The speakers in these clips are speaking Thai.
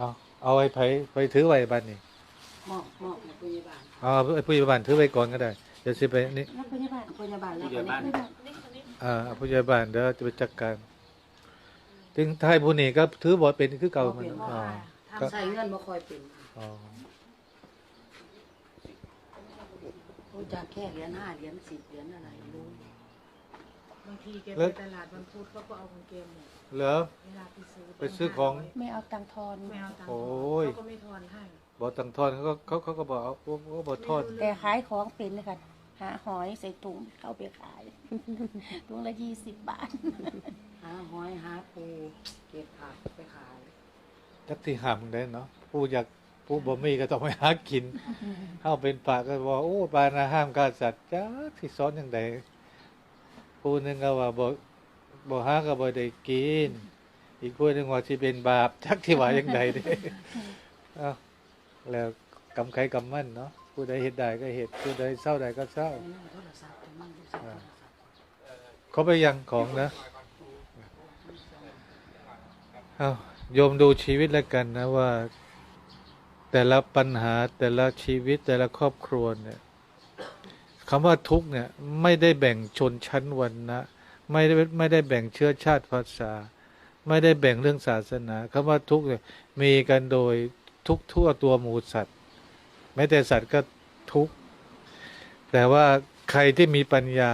เอาเอาไอ้ไปถือไว้บ้านนี่มอบให้ผู้ใหญ่บ้านเอาไอ้ผู้ใหญ่บ้านถือไว้ก่อนก็ได้เดี๋ยวสิไปนี่แล้วผู้ใหญ่บ้านแล้วผู้ใหญ่บ้านเอาผู้ใหญ่บ้านเดี๋ยวจะไปจัดการถึงท้ายผู้นี้ก็ถือบ่เป็นคือเก่ามันอ๋อทำใส่เงินบ่ค่อยเป็นอ๋อรู้จักแค่เหรียญ5เหรียญ10เหรียญอะไรรู้บางทีแกไปตลาดวันพุธเขาก็เอาของเกมเนี่ยเหรอเวลาไปซื้อของไม่เอาตังค์ทอนไม่เอาตังค์โอ้ยเขาก็ไม่ทอนให้บ่ตังทอนเขาก็บอกเอาเขาบ่ทอนแต่ขายของเป็นเลยค่ะหาหอยใส่ถุงเข้าไปขาย ถุงละ20 บาทหาหอยหาปูเก็บผักไปขายจักที่ห้ามได้เนาะผู้บ่มีก็ต้องไปหากินเฮาเป็นป่าก็บอกโอ้ปานะห้ามฆ่าสัตว์จักที่สอนจังไดผู้หนึงก็ว่าบ่หาก็บ่ได้กินอีกผู้หนึงว่าสิเป็นบาปจักที่ว่าจังไดเด้เอ้าแล้วกรรมใครกรรมมันเนาะผู้ใดเฮ็ดได้ก็เฮ็ดผู้ใดเศร้าได้ก็เศร้าไปนั่งโทรศัพท์ไปนั่งดูสักโทรศัพท์เขาไปยังของนะเอาโยมดูชีวิตแล้วกันนะว่า แต่ละปัญหาแต่ละชีวิตแต่ละครอบครัวเนี่ยคำว่าทุกข์เนี่ยไม่ได้แบ่งชนชั้นวรรณะไม่ได้แบ่งเชื้อชาติภาษา ไม่ได้แบ่งเรื่องศาสนาคำว่าทุกข์เนี่ยมีกันโดยทุกทั่วตัวหมูสัตว์แม้แต่สัตว์ก็ทุกข์แต่ว่าใครที่มีปัญญา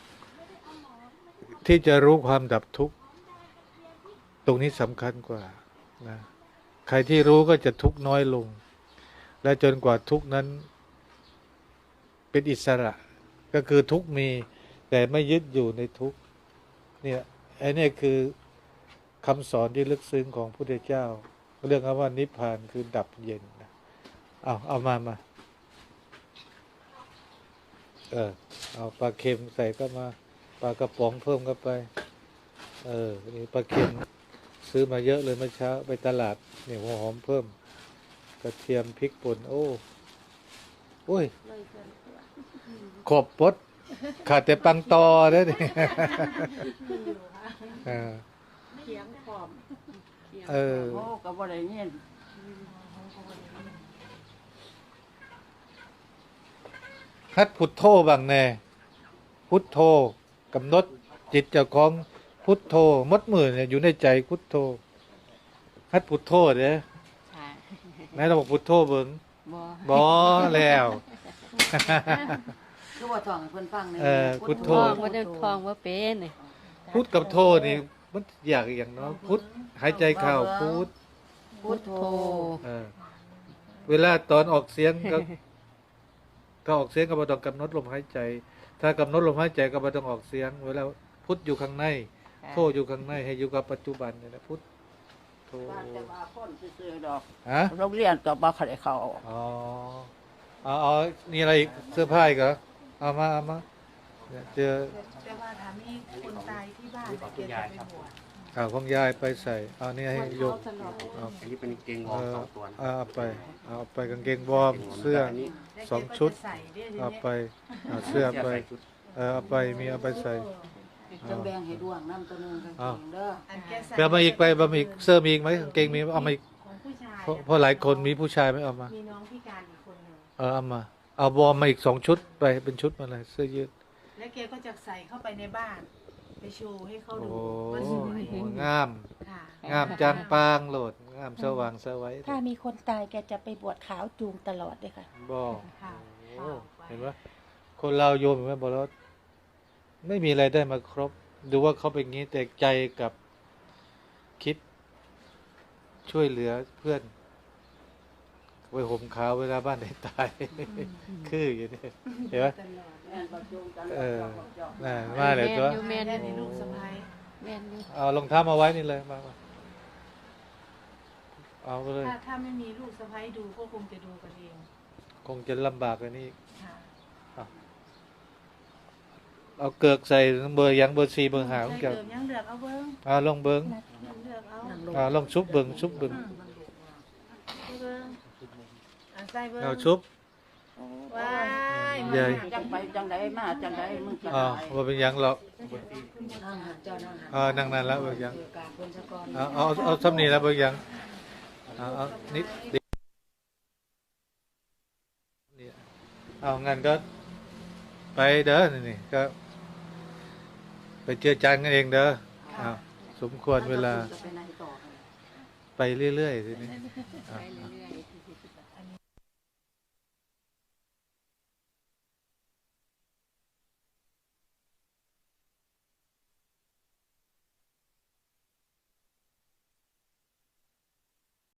ที่จะรู้ความดับทุกข์ตรงนี้สำคัญกว่านะใครที่รู้ก็จะทุกข์น้อยลง และจนกว่าทุกข์นั้นเป็นอิสระก็คือทุกข์มีแต่ไม่ยึดอยู่ในทุกข์เนี่ยไอ้นี่คือคำสอนที่ลึกซึ้งของพระพุทธเจ้าเรื่องคำว่านิพพานคือดับเย็นนะเอามาเอาปลาเค็มใส่ก็มาปลากระป๋องเพิ่มเข้าไปนี่ปลาเค็มซื้อมาเยอะเลยเมื่อเช้าไปตลาดนี่หัวหอมเพิ่มกระเทียมพริกป่นโอ้ยขอบปดขาดแต่ปังตอเด้อนี่เขียงขอบโอ้ก็บ่ได้เงินฮัดพุทโธบางแน่พุทโธกำหนดจิตเจ้าของพุทโธมดมือเนี่ยอยู่ในใจพุทโธฮัดพุทโธเด้อค่ะไหนเราบอกพุทโธเบิ่งบ่บ่แล้วคือว่าท่องให้เพิ่นฟังในพุทโธทองว่าได้ทองว่าเป็นนี่พุทกับโธนี่มันอยากอย่างเนาะพุทหายใจเข้าพุทพุทโธเวลาตอนออกเสียงก็ออกเสียงก็บ่ต้องกำหนดลมหายใจ ถ้ากำหนดลมหายใจก็บ่ต้องออกเสียง เวลาพุทอยู่ข้างในโธอยู่ข้างในให้อยู่กับปัจจุบันนี่นะพุทโธว่าแต่ว่าคนซื่อๆดอกฮะโรงเรียนก็บ่ค่อยได้เข้าอ๋อเอานี่อะไรอีกเสื้อผ้าอีกเหรอเอามาเนี่ยเจอแต่ว่าถามมีคนตายที่บ้านแต่แกจะไปบวชข่าวของยายไปใส่เอานี่ให้โยมเอาอันนี้เป็นเกงวอร์ม2 ตัวนะเอาไปกางเกงวอร์มเสื้ออันนี้แล้วสองแกก็ชุดจะใส่ด้วยทีเอาเนี้ยไปเอาเสื้อไปใส่ชุดเอาไปมีเอาไปใส่จังแบ่งให้ดวงน้ำตัวนึงกางเกงเด้ออันแกใส่ไปเอามาอีกไปเอามาอีกเสื้อมีอีกไหมกางเกงมีเอามาอีกของผู้ชายเพราะหลายคนมีผู้ชายไม่เอามามีน้องพิการอีกคนหนึ่งเอามาเอาวอร์มมาอีก2 ชุดไปเป็นชุดมาเลยเสื้อยืดแล้วแกก็จะใส่เข้าไปในบ้าน ไปโชว์ให้เขาโอ้ดูว่าสวยโหงามค่ะงามจางปางโหลดงามสว่างสวัยถ้ามีคนตายแกจะไปบวชขาวจูงตลอดเลยค่ะบอกค่ะโอ้เห็นไหมคนเราโยมเห็นไหมบอกแล้วไม่มีอะไรได้มาครบ ดูว่าเขาเป็นงี้แต่ใจกับคิดช่วยเหลือเพื่อนไปห่มขาวเวลาบ้านไหนตาย คืออยู่นี่เห็นไหมตลอดแม่นบ่จูงกันน่ะมาเลยตัวแม่นแม่อยู่ในลูกสะพ้ายแม่นอยู่เอารองเท้ามาไว้นี่เลยมาเอาไปเลยถ้าไม่มีลูกสะพ้ายดูก็คงจะดูกันเองคงจะลำบากกันนี่ค่ะเอาเกือกใส่เบอร์ยังเบอร์4เบอร์5ของใส่แกเกิมยังเลือกเอาเบิ้งลองเบิ้งเลือกเอาลองชุบเบิ้งชุบเบิ้งเบิ้งใส่เบิ้งเอาชุบว้ายใหญ่จังไปจังไดมาจังไดมึงจะอ๋อได้ว่าเป็นหยังหรอกนั่งหันเจ้านั่งหันนั่งนั่นแล้วเบิ้งหยังกราบเพิ่นซะก่อนเอาซ้ำนี่แล้วเบิ้งหยังเอานิดเดียวเนี่ยเอางั้นก็ไปเด้อนี่ก็ ไปเจอจานกันเองเด้อเอาสมควรเวลาจะไปไหนต่อกันไปเรื่อยๆทีนี้ไปเรื่อยๆ